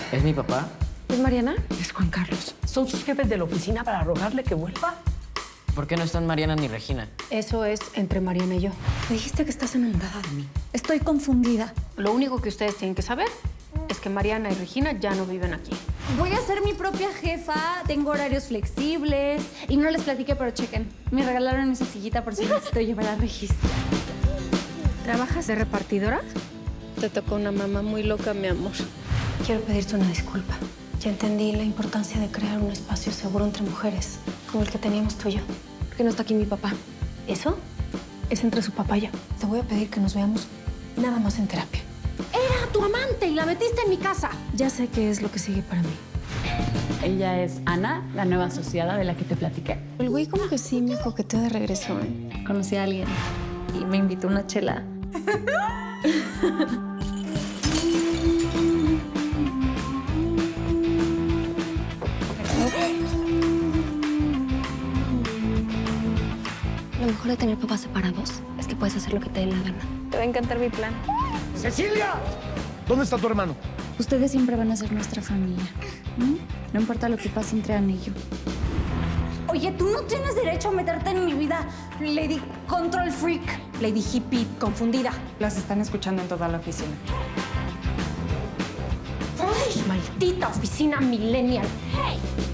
¿Es mi papá? ¿Es Mariana? Es Juan Carlos. Son sus jefes de la oficina para rogarle que vuelva. ¿Por qué no están Mariana ni Regina? Eso es entre Mariana y yo. Me dijiste que estás enamorada de mí. Estoy confundida. Lo único que ustedes tienen que saber es que Mariana y Regina ya no viven aquí. Voy a ser mi propia jefa, tengo horarios flexibles y no les platiqué, pero chequen. Me regalaron esa sillita por si necesito llevar al registro. ¿Trabajas de repartidora? Te tocó una mamá muy loca, mi amor. Quiero pedirte una disculpa. Ya entendí la importancia de crear un espacio seguro entre mujeres, como el que teníamos tú y yo. ¿Por qué no está aquí mi papá? Eso es entre su papá y yo. Te voy a pedir que nos veamos nada más en terapia. Era tu amante y la metiste en mi casa. Ya sé qué es lo que sigue para mí. Ella es Ana, la nueva asociada de la que te platiqué. El güey como que sí me coqueteó de regreso, ¿eh? Conocí a alguien y me invitó una chela. Lo mejor de tener papás separados es que puedes hacer lo que te dé la gana. Te va a encantar mi plan. ¡Cecilia! ¿Dónde está tu hermano? Ustedes siempre van a ser nuestra familia. No importa lo que pase entre Ana y yo. Oye, tú no tienes derecho a meterte en mi vida, Lady Control Freak. Lady Hippie confundida. Las están escuchando en toda la oficina. ¡Ay, maldita oficina millennial! ¡Hey!